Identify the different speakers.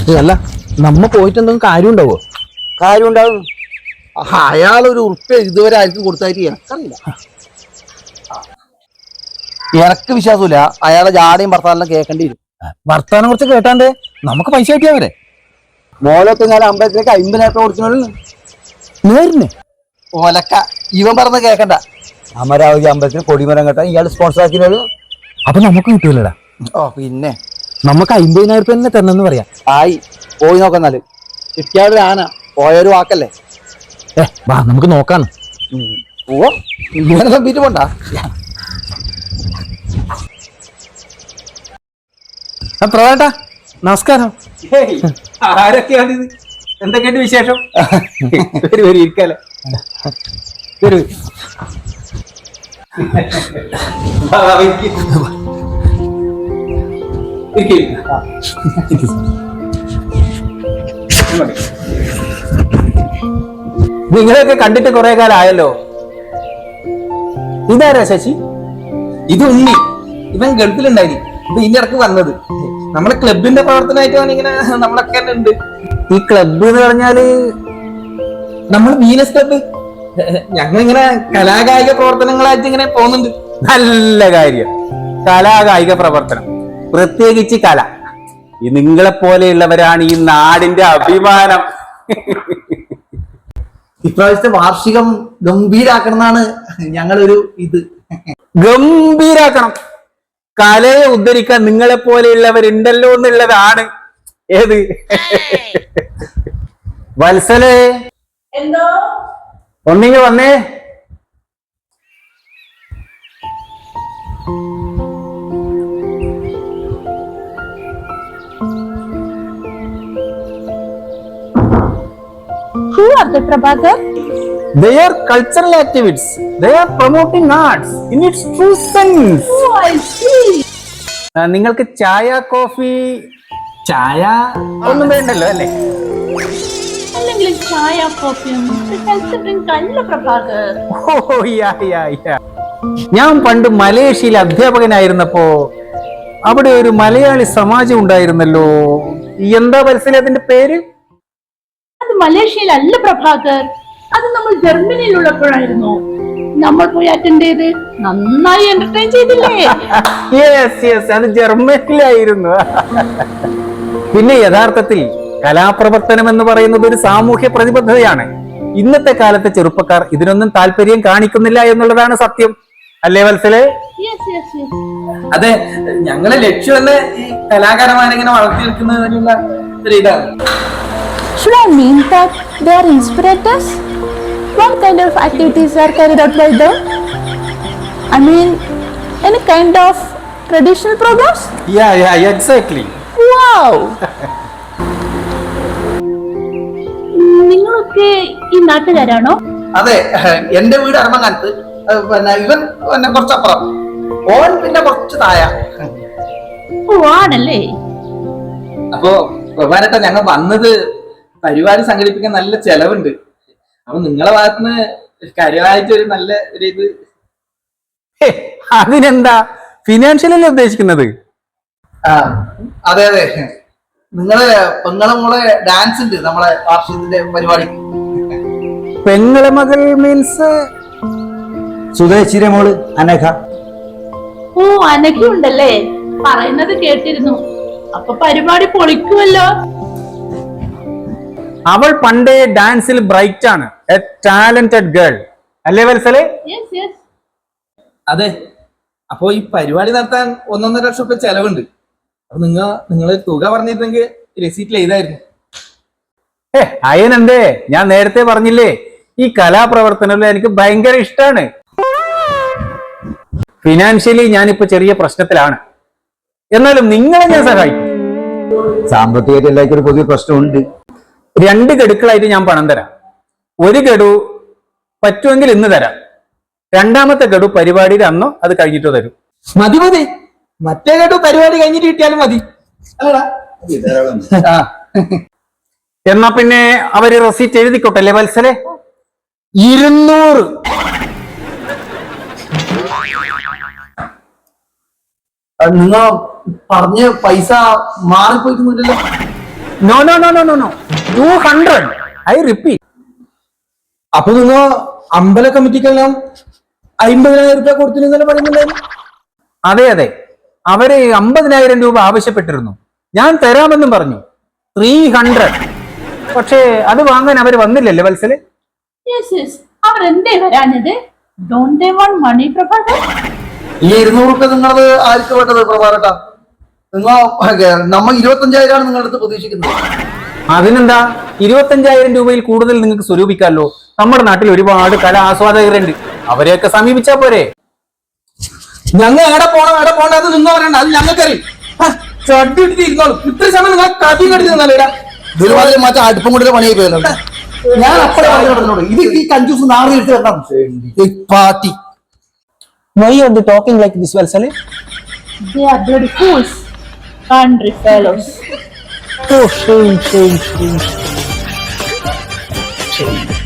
Speaker 1: അല്ല നമ്മ പോയിട്ട് എന്തെങ്കിലും കാര്യം ഉണ്ടാവോ?
Speaker 2: കാര്യം ഉണ്ടാവും. അയാളൊരു ഉറുപ്പ്യ ഇതുവരെ ആർക്കും കൊടുത്തായിട്ട് എനക്കറിയില്ല. എനക്ക് വിശ്വാസമില്ല. അയാളെ ജാടയും ഭർത്താനെല്ലാം കേൾക്കേണ്ടി വരും.
Speaker 1: വർത്താനം കുറച്ച് കേട്ടാണ്ട് നമുക്ക് പൈസ കിട്ടിയാ വരെ.
Speaker 2: മോലൊക്കെ ഞാൻ അമ്പലത്തിലേക്ക് 50,000 കൊടുക്കണു.
Speaker 1: നേരിന്
Speaker 2: ഓലക്ക ഇവൻ പറഞ്ഞ കേക്കണ്ട. അമരാവതി അമ്പലത്തിന് കൊടിമരം കേട്ടാ ഇയാൾ സ്പോൺസർ ആക്കിയത്.
Speaker 1: അപ്പൊ നമുക്ക് കിട്ടൂലടാ.
Speaker 2: ഓ പിന്നെ
Speaker 1: നമുക്ക് 50,000 തന്നെ തരണമെന്ന് പറയാം.
Speaker 2: ആയി പോയി നോക്കുന്നാല്. കിട്ടിയാതൊരു ആന പോയൊരു വാക്കല്ലേ.
Speaker 1: വാ നമുക്ക് നോക്കാണ്.
Speaker 2: ഓ ഇങ്ങനെ തമ്പിട്ട് പോണ്ട.
Speaker 1: പ്രവേട്ടാ നമസ്കാരം.
Speaker 3: ആരൊക്കെയാണിത്? എന്തൊക്കെയുണ്ട് വിശേഷം? ഇരിക്കാലോ. നിങ്ങളെയൊക്കെ കണ്ടിട്ട് കുറെ കാലം ആയല്ലോ. ഇതാരാ ശശി? ഇത് ഉണ്ണി. ഇവൻ ഗൾഫിലുണ്ടായി. ഇപ്പൊ ഇതിന്റെ ഇടക്ക് വന്നത്. നമ്മുടെ ക്ലബിന്റെ പ്രവർത്തനമായിട്ടാണ് ഇങ്ങനെ നമ്മളൊക്കെ തന്നെ ഉണ്ട്. ഈ ക്ലബ് എന്ന് പറഞ്ഞാല് നമ്മൾ വീനസ് ക്ലബ്. ഞങ്ങളിങ്ങനെ കലാകായിക പ്രവർത്തനങ്ങളായിട്ട് ഇങ്ങനെ പോകുന്നുണ്ട്. നല്ല കാര്യം. കലാകായിക പ്രവർത്തനം, പ്രത്യേകിച്ച് കല. ഈ നിങ്ങളെ പോലെയുള്ളവരാണ് ഈ നാടിന്റെ അഭിമാനം.
Speaker 2: ഇപ്രാവശ്യത്തെ വാർഷികം ഗംഭീരാക്കണം എന്നാണ് ഞങ്ങളൊരു ഇത്.
Speaker 3: ഗംഭീരാക്കണം. കലയെ ഉദ്ധരിക്കാൻ നിങ്ങളെ പോലെയുള്ളവരുണ്ടല്ലോ എന്നുള്ളതാണ്. ഏത് വത്സലേ,
Speaker 4: എന്തോ
Speaker 3: ഒന്നിങ്ങ് വന്നേ.
Speaker 4: Who are the Prabhakar?
Speaker 3: They are cultural activities. They are promoting arts in its true sense.
Speaker 4: Oh, I see.
Speaker 3: നിങ്ങൾക്ക് ചായ, കോഫി, ചായ ഒന്നും വേണ്ടല്ലോ അല്ലേ?
Speaker 4: അല്ലെങ്കിൽ ചായ കോഫിയും ഹെൽത്ത് ഡ്രിങ്ക് അല്ല പ്രഭാകർ.
Speaker 3: ഓ യാ യാ യാ. ഞാൻ പണ്ട് മലേഷ്യയിൽ അധ്യാപകനായിരുന്നപ്പോ അവിടെ ഒരു മലയാളി സമാജം ഉണ്ടായിരുന്നല്ലോ. എന്താ മനസ്സിലായി അതിന്റെ പേര്?
Speaker 4: അത് മലേഷ്യയിലല്ല പ്രഭാകർ. അത് നമ്മൾ ജർമ്മനിയിലുള്ളപ്പോഴായിരുന്നു. നമ്മൾ പോയി അറ്റൻഡ് ചെയ്ത് നന്നായി എന്റർടൈൻ ചെയ്തില്ലേ?
Speaker 3: യെസ് യെസ്, അത് ജർമ്മനിയിലായിരുന്നു. പിന്നെ യഥാർത്ഥത്തിൽ കലാപ്രവർത്തനം എന്ന് പറയുന്നത് ഒരു സാമൂഹ്യ പ്രതിബദ്ധതയാണ്. ഇന്നത്തെ കാലത്തെ ചെറുപ്പക്കാർ ഇതിനൊന്നും താല്പര്യം കാണിക്കുന്നില്ല എന്നുള്ളതാണ് സത്യം. അല്ലേ വത്സലേ?
Speaker 5: അതെ, ഞങ്ങളെ ലക്ഷ്യം തന്നെ ഈ കലാകാരന്മാരെ ഇങ്ങനെ വളർത്തിയെടുക്കുന്നതിനുള്ള ഒരു ഇതാണ്.
Speaker 4: Should I mean that they are inspirators? What kind of activities are carried out by them? I mean, any kind of traditional programs?
Speaker 3: Yeah, exactly.
Speaker 4: Wow! നിങ്ങളൊക്കെ ഈ നാട്ടുകാരാണോ?
Speaker 2: അതെ, എന്റെ വീട് അരമങ്ങാനത്ത്. പിന്നെ ഇവൻ പിന്നെ കുറച്ചപ്പുറം, ഓൻ പിന്നെ കുറച്ച് താഴെ.
Speaker 4: ഓ ആണല്ലേ.
Speaker 5: അപ്പോ പ്രധാനട്ട ഞങ്ങൾ വന്നത് പരിപാടി സംഘടിപ്പിക്കാൻ നല്ല ചെലവുണ്ട്. അപ്പൊ നിങ്ങളെ ഭാഗത്തുനിന്ന് കാര്യമായിട്ട് ഒരു നല്ല ഒരു ഇത്.
Speaker 3: അതിനെന്താ, ഫിനാൻഷ്യലല്ലേ ഉദ്ദേശിക്കുന്നത്?
Speaker 2: അതെ അതെ, നിങ്ങളെ പെങ്ങളെ മോളെ ഡാൻസ് ഉണ്ട് നമ്മളെ വാർഷികത്തിന്റെ പരിപാടി.
Speaker 3: പെങ്ങളെ മകൾ മീൻസ്
Speaker 2: സുധേച്ചിയുടെ മോള് അനഘ.
Speaker 4: ഓ അനഘയുണ്ടല്ലേ, പറയുന്നത് കേട്ടിരുന്നു. അപ്പൊ പരിപാടി പൊളിക്കുമല്ലോ.
Speaker 3: അവൾ പണ്ടേ ഡാൻസിൽ ബ്രൈറ്റ് ആണ്. എ ടാലന്റഡ് ഗേൾ അല്ലേ വത്സലേ?
Speaker 5: അതെ, അപ്പൊ ഈ പരിപാടി നടത്താൻ 1.5 ലക്ഷം രൂപ ചെലവുണ്ട്. അപ്പൊ നിങ്ങൾ തുക പറഞ്ഞിരുന്നെങ്കിൽ രസീറ്റിൽ എഴുതായിരുന്നു.
Speaker 3: അയനെന്തേ, ഞാൻ നേരത്തെ പറഞ്ഞില്ലേ, ഈ കലാപ്രവർത്തനം എനിക്ക് ഭയങ്കര ഇഷ്ടമാണ്. ഫിനാൻഷ്യലി ഞാനിപ്പോ ചെറിയ പ്രശ്നത്തിലാണ്. എന്നാലും നിങ്ങളെ ഞാൻ സഹായിക്കും.
Speaker 2: സാമ്പത്തികമായിട്ട് എല്ലാവർക്കും ഒരു പൊതുവെ പ്രശ്നമുണ്ട്.
Speaker 3: 2 ഗഡുക്കളായിട്ട് ഞാൻ പണം തരാം. 1 ഗഡു പറ്റുമെങ്കിൽ ഇന്ന് തരാം. 2ാമത്തെ ഗഡു പരിപാടിയുടെ അന്നോ അത് കഴിഞ്ഞിട്ടോ തരും.
Speaker 5: മതി, മറ്റേ കേട്ടു പരിപാടി കഴിഞ്ഞിട്ട് കിട്ടിയാലും മതി.
Speaker 3: എന്നാ പിന്നെ അവര് റെസീറ്റ് എഴുതിക്കോട്ടെ അല്ലേ വത്സലേ? 200.
Speaker 2: നിങ്ങൾ പറഞ്ഞ പൈസ മാറിപ്പോയിട്ടൊന്നുമില്ലല്ലോ.
Speaker 3: No no no no no no 200. I repeat. അപ്പൊ നിങ്ങൾ അമ്പല കമ്മിറ്റിക്കെല്ലാം 50,000 രൂപ കൊടുത്തിരുന്നല്ലോ പറയുന്നുണ്ടായിരുന്നു. അതെ അതെ, അവര് 50,000 രൂപ ആവശ്യപ്പെട്ടിരുന്നു. ഞാൻ തരാമെന്നും പറഞ്ഞു. 300. പക്ഷേ അത് വാങ്ങാൻ അവർ വന്നില്ലല്ലേ വത്സല്?
Speaker 4: യെസ് യെസ്, അവർ എന്തേ വരാഞ്ഞത്? Don't they want money Prabhakar?
Speaker 2: ഈ 200 രൂപ നിങ്ങളത് ആർക്ക് വേണ്ടത് പ്രഭാകരേട്ടാ? നിങ്ങൾ നമ്മൾ 25,000 നിങ്ങളുടെ അടുത്ത് പ്രതീക്ഷിക്കുന്നത്.
Speaker 3: അതിനെന്താ, 25,000 രൂപയിൽ കൂടുതൽ നിങ്ങൾക്ക് സ്വരൂപിക്കാമല്ലോ. നമ്മുടെ നാട്ടിൽ ഒരുപാട് കലാ ആസ്വാദകരുണ്ട്, അവരെയൊക്കെ സമീപിച്ചാ പോരെ? ഞങ്ങൾ എവിടെ പോണം അത് നിങ്ങൾ പറയണ്ട, അത് ഞങ്ങൾക്കറിയും. ചട്ടിട്ടിരുന്നോളൂ. ഇത്ര സമയം നിങ്ങൾ കഥ കടിച്ചിരുന്നല്ലേടാ.
Speaker 2: ഒരുപാട് മറ്റേ അടുപ്പം കൊണ്ടൊരു പണിയായി പോയല്ലോ. ഞാൻ അപ്പഴേ പറഞ്ഞോട് ഇത് ഈ കഞ്ചൂസ് നാളെ എടുത്ത് വരണം party.
Speaker 3: Why are they talking like this, Valsale?
Speaker 4: They are bloody fools, country fellows.
Speaker 3: Oh, shame.